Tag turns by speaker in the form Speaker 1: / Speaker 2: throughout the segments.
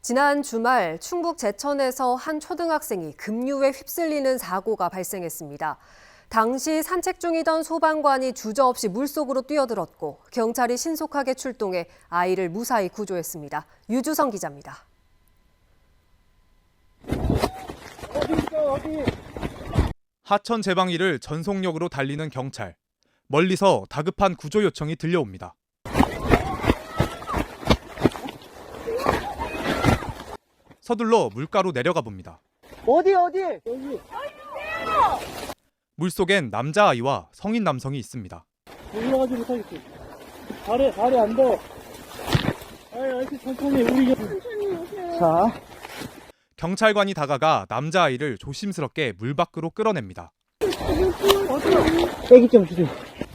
Speaker 1: 지난 주말 충북 제천에서 한 초등학생이 급류에 휩쓸리는 사고가 발생했습니다. 당시 산책 중이던 소방관이 주저없이 물속으로 뛰어들었고 경찰이 신속하게 출동해 아이를 무사히 구조했습니다. 유주성 기자입니다.
Speaker 2: 어디? 하천 제방일을 전속력으로 달리는 경찰. 멀리서 다급한 구조 요청이 들려옵니다. 서둘러 물가로 내려가 봅니다.
Speaker 3: 어디? 여기.
Speaker 2: 물속엔 남자아이와 성인 남성이 있습니다.
Speaker 3: 올라가지 못하겠어. 발에 안 닿아. 아이, 천천히, 우리. 자.
Speaker 2: 경찰관이 다가가 남자아이를 조심스럽게 물 밖으로 끌어냅니다.
Speaker 3: 빼기 좀 주세요.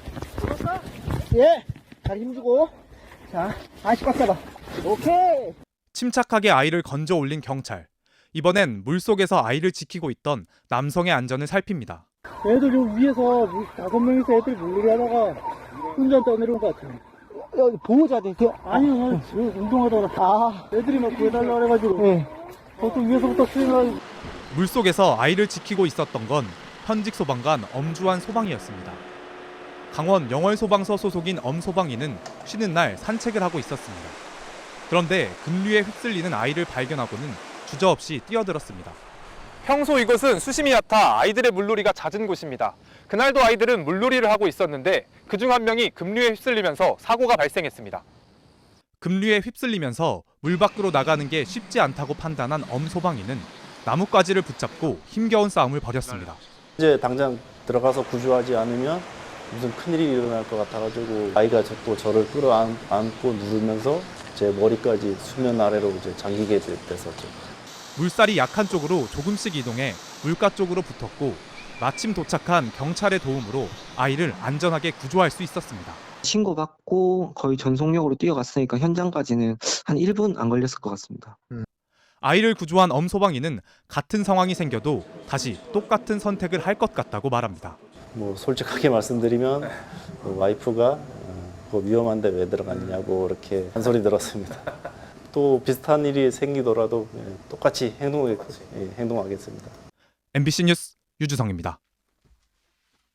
Speaker 3: 예. 다리 힘주고. 자, 아이씨 꽉 잡아. 오케이.
Speaker 2: 침착하게 아이를 건져 올린 경찰. 이번엔 물속에서 아이를 지키고 있던 남성의 안전을 살핍니다.
Speaker 3: 애들 좀 위에서 5명이서 애들 물놀이 하다가 혼자 떠내려온 것 같아요. 여기 보호자들 돼요? 아니요, 운동하다가. 애들이 막 구해달라고 그래가지고. 네. 보통 위에서부터 수행하고.
Speaker 2: 물속에서 아이를 지키고 있었던 건 현직 소방관 엄주환 소방이었습니다. 강원 영월소방서 소속인 엄 소방이는 쉬는 날 산책을 하고 있었습니다. 그런데 급류에 휩쓸리는 아이를 발견하고는 주저없이 뛰어들었습니다.
Speaker 4: 평소 이곳은 수심이 얕아 아이들의 물놀이가 잦은 곳입니다. 그날도 아이들은 물놀이를 하고 있었는데 그중 한 명이 급류에 휩쓸리면서 사고가 발생했습니다.
Speaker 2: 급류에 휩쓸리면서 물 밖으로 나가는 게 쉽지 않다고 판단한 엄 소방이는 나뭇가지를 붙잡고 힘겨운 싸움을 벌였습니다.
Speaker 5: 이제 당장 들어가서 구조하지 않으면 무슨 큰일이 일어날 것 같아가지고 아이가 또 저를 끌어안고 누르면서 제 머리까지 수면 아래로 이제 잠기게 됐었죠.
Speaker 2: 물살이 약한 쪽으로 조금씩 이동해 물가 쪽으로 붙었고 마침 도착한 경찰의 도움으로 아이를 안전하게 구조할 수 있었습니다.
Speaker 6: 신고받고 거의 전속력으로 뛰어갔으니까 현장까지는 한 1분 안 걸렸을 것 같습니다.
Speaker 2: 아이를 구조한 엄 소방이는 같은 상황이 생겨도 다시 똑같은 선택을 할 것 같다고 말합니다.
Speaker 5: 뭐 솔직하게 말씀드리면 와이프가 그거 위험한데 왜 들어갔냐고 이렇게 한 소리 들었습니다. 또 비슷한 일이 생기더라도 똑같이 행동하겠습니다.
Speaker 2: MBC 뉴스 유주성입니다.